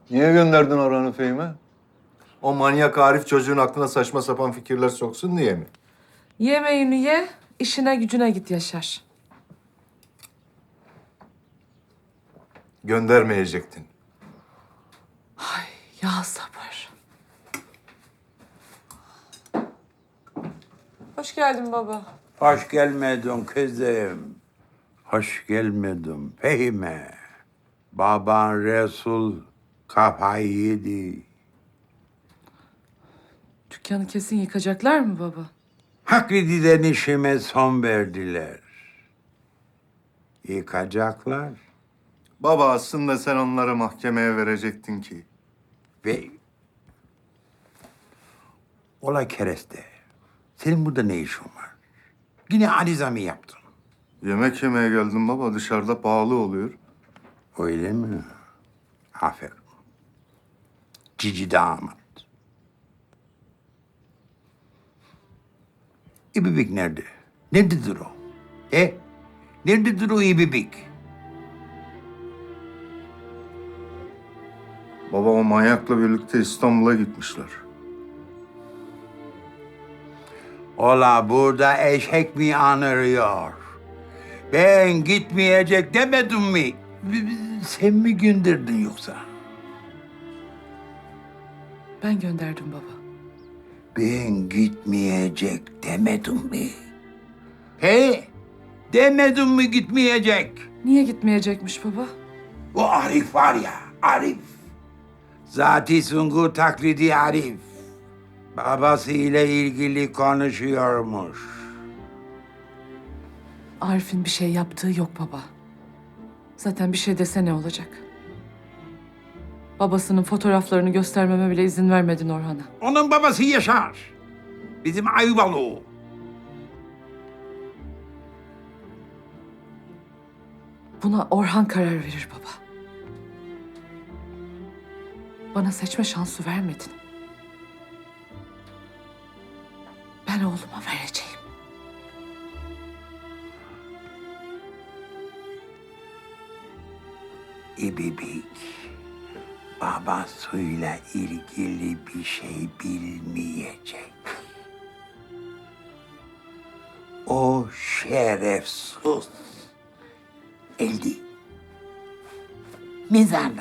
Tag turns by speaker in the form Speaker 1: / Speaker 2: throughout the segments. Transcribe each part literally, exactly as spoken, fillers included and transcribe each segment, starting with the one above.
Speaker 1: Niye gönderdin Orhan'ı Fehim'e?
Speaker 2: O manyak Arif çocuğun aklına saçma sapan fikirler soksun diye mi?
Speaker 3: Yemeğini ye, işine gücüne git Yaşar.
Speaker 2: Göndermeyecektin.
Speaker 3: Ya sabır. Hoş geldin baba.
Speaker 4: Hoş gelmedin kızım. Hoş gelmedin Fehime. Baban Resul kafayı yedi.
Speaker 3: Dükkanı kesin yıkacaklar mı baba?
Speaker 4: Hakkı'dan işime son verdiler. Yıkacaklar
Speaker 2: Baba aslında sen onları mahkemeye verecektin ki.
Speaker 4: ve... Ola kereste. Senin burada ne işin var? Yine ariza mı yaptın?
Speaker 2: Yemek yemeye geldim baba. Dışarıda pahalı oluyor.
Speaker 4: Öyle mi? Aferin. Cici damat. İbibik nerede? Nerededir o? E? Nerededir o İbibik?
Speaker 2: Baba o manyakla birlikte İstanbul'a gitmişler.
Speaker 4: Ola burada eşek mi anırıyor? Ben gitmeyecek demedim mi? Sen mi gönderdin yoksa?
Speaker 3: Ben gönderdim baba.
Speaker 4: Ben gitmeyecek demedim mi? He? Demedim mi gitmeyecek?
Speaker 3: Niye gitmeyecekmiş baba?
Speaker 4: O Arif var ya, Arif. Zati Sungur taklidi Arif. Babası ile ilgili konuşuyormuş.
Speaker 3: Arif'in bir şey yaptığı yok baba. Zaten bir şey dese ne olacak? Babasının fotoğraflarını göstermeme bile izin vermedin Orhan'a.
Speaker 4: Onun babası Yaşar. Bizim Ayvalı o.
Speaker 3: Buna Orhan karar verir baba. Bana seçme şansı vermedin. Ben oğluma vereceğim.
Speaker 4: İbibik babasıyla ilgili bir şey bilmeyecek. O şerefsiz eldi. Mizanda.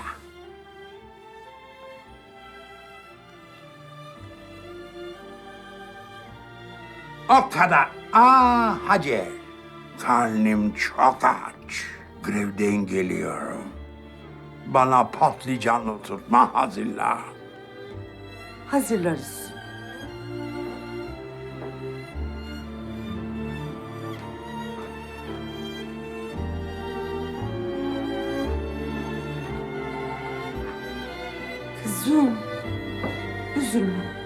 Speaker 4: O kadar. Aa Hacer. Karnım çok aç. Grevden geliyorum. Bana patlıcanlı tutma hazırla.
Speaker 3: Hazırlarız. Kızım, üzülme.